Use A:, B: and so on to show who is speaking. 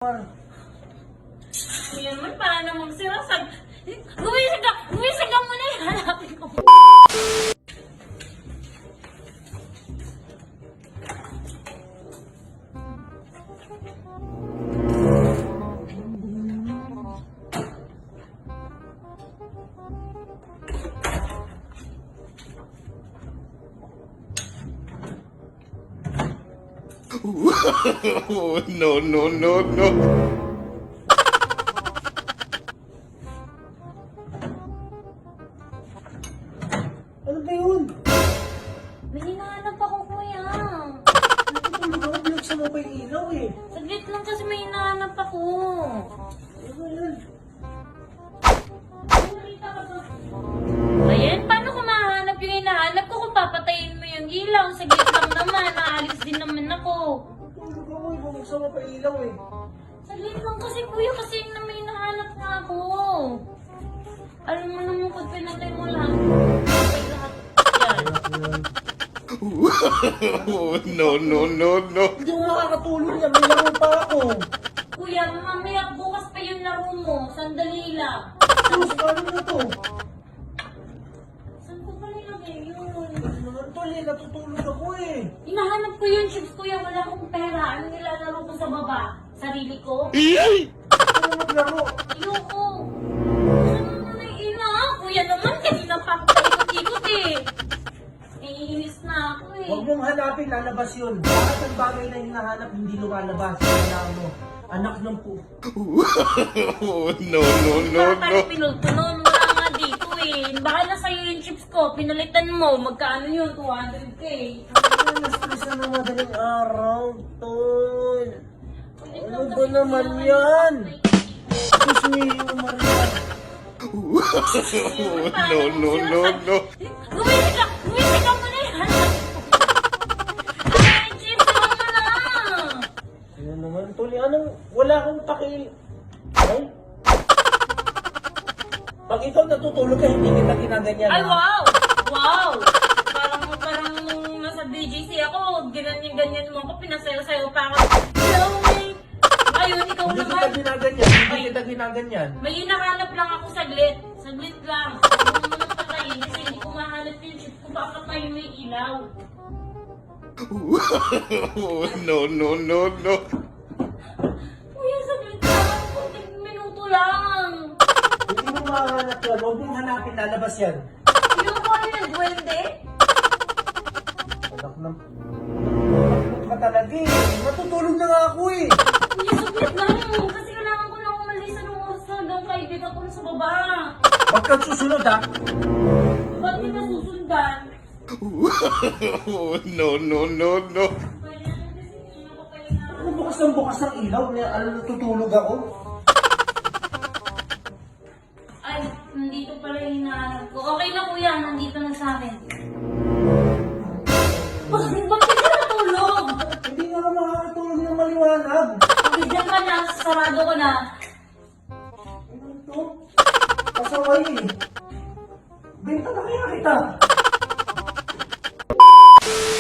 A: Yan man, para namang sirasag. Gumising ka muna yung hanapin ko.
B: No, no, no, no.
C: Ano ba yun?
A: May hinahanap ako, kuya.
C: Natutulog ako, binuksan mo pa yung ilaw eh.
A: Saglit lang kasi may hinahanap ako.
C: Ano ba yan?
A: Ayan, paano ko mahanap yung hinahanap ko kung papatayin mo yung ilaw? Saglit lang naman, naalis din naman ako.
C: Natutulog ako eh, binuksan mo pa yung ilaw eh.
A: Saglit lang kasi, kuya, kasi na may hinahanap nga ako. Alam mo naman kung pinatay mo lahat. Pinatay lahat. Yan.
B: No, no, no, no.
C: Hindi mo makakatulog yan, may laro pa ako.
A: Kuya, mamaya bukas pa yung laro mo. Sandali lang.
C: Sus, paano na to?
A: Saan ko ba nilagay yun?
C: Ano naman to, Lee, natutulog ako eh.
A: Hinahanap ko yung chips, kuya. Wala akong pera. Ano nilalaro ko sa baba? Sarili ko?
C: Ano maglaro?
A: Ayoko. Saan mo na ina? Kuya naman, kanina pa ako paikot-ikot eh. Naiinis na ako eh.
C: Huwag mong hanapin, lalabas yun. Lahat ng bagay na hinahanap, hindi lumalabas. Kailangan mo. Anak ng po.
B: No, no, no, no.
A: Parang pinultunon. Wala nga dito eh. Baka na sa'yo yung chips ko. Pinalitan mo. Magkano yun? 200k.
C: Ano, na-stress na ng madaling araw, tol. Ano ba naman yan? Diyos mio, Maria.
B: No, no, no, no.
A: Gumising ka muna yan. Ay, chips, huwag mo na.
C: Ano naman, tol? Anong, wala akong pakil... Ay? Pag ikaw natutulog ka, hindi kita ginaganyan.
A: Ay,
C: ha?
A: wow! Wow! Parang nung nasa BGC ako, ganyan mo ako, pinasayo-sayo pa ako. Hello, May! Ngayon, ikaw
C: Hindi
A: naman.
C: kita ginaganyan, hindi kita ginaganyan.
A: May hinahanap lang ako saglit. Saglit lang. Huwag mo nang patayin kasi hindi ko mahanap yung chip ko. Baka tayo may ilaw.
B: No, no, no, no.
A: Kuya, saglit lang. Kunting minuto lang.
C: Hindi mo mahanap yan, huwag mong hanapin, lalabas yan.
A: Yung ko yung duwende?
C: Anak ng... Anak ka talaga eh. Natutulog na nga ako eh.
A: Kuya, saglit lang. Kasi kailangan ko lang umalis sa nung oras na hanggang kaibigan ko na sa baba.
C: Huwag kang susunod ha.
A: Ba't di ka susundan?
B: No, no, no, no.
C: Ano bukas ng bukas ng ilaw? Ano natutulog ako?
A: Ay, nandito pala yung hinahanap ko. Okay na kuya, nandito na sa akin. Bakit ka natulog?
C: Hindi nga ako makakatulog ng maliwanag.
A: Pagkidyan ka na, sarado ko na.
C: Ano ito? Pasaway eh. Benta na kaya kita.